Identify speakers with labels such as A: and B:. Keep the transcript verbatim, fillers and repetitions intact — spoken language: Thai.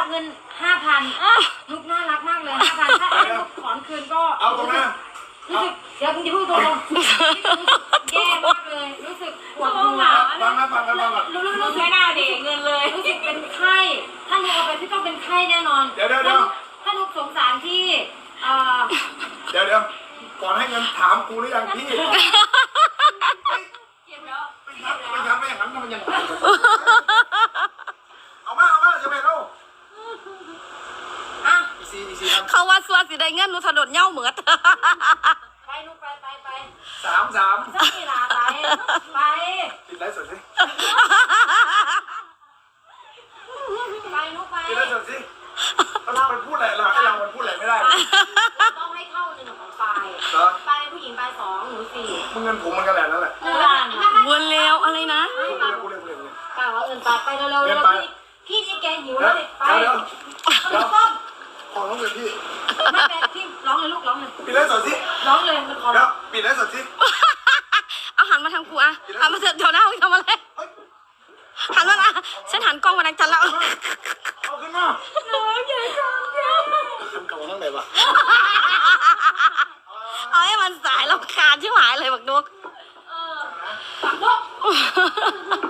A: เงินห้าพันนุกน่ารักมากเลยห้าพันถ้าให้นุกถอนคืนก็เอาตรงนั้นรู้สึกเดี๋ยวมึงจะพูดตรงแย่มากเลยรู้สึกปวดหัวฟังนะฟังนะฟังนะรู้รู้รู้ไม่น่าเด็กเงินเลยรู้สึกเป็นไข้ถ้านุกเอาไปพี่ต้องเป็นไข้แน่นอนเดี๋ยวเดี๋ยวเดี๋ยวถ้านุกสงสารที่
B: เดี๋ยวเดี๋ยวก่อนให้เงินถามกูหรือยังพี่
A: เก็บแล้ว
B: ไปทำไปทำไม่อย่างนั้นมันยังเอามาเอามาจะไปเล่า
C: เขาว่าส่วนสิได้เงินหนูถนนเน่าเหมือด
A: ไปนุกไปไปไป
B: สามสาม
A: สักกี่ลาไปไป
B: ติดไลฟ์สดสิ
A: ไปนุกไป
B: ติดไลฟ์สดสิเราไปพูดอะไรเราให้เรามันพูดอะไรไม่ได้
A: ต้องให้เข้าหนึ่งของปลายปลายผู้หญิงปลายสองหนูสี่
B: มึงเงินผมมันกันแหละนั่นแหละ
C: วนเร็วอะไรนะ
B: กูเร็วกูเร็วกูเร็ว
A: ปลายเอาเงินปลายไปเร็วเร็วเร็วพี่พี่นี่แกหิวแล้วไป
B: เดี๋ยว
A: เดี๋ยวต้ม
B: ขอร้องเลยพี่
A: ไม่เป็นพี่ร้องเลยลูกร้องเลย
B: ปิดไลฟ์สดสิ
A: ร้องเลยมันขอ
B: แล้วปิดไลฟ์สดสิ
C: เอาหันมาทางกูอะหันมาเดี๋ยวหน้าทำอะไรหันมาละฉันหันกล้องมาทางจันแล้ว
B: เอาขึ้นมา
A: น้องใหญ่จังแก
B: ขึ้นเก่าทั้งไหนวะ
C: เอาให้มันสายแล้วคาญชิบหายเลยบักนุก
A: เออบักนุก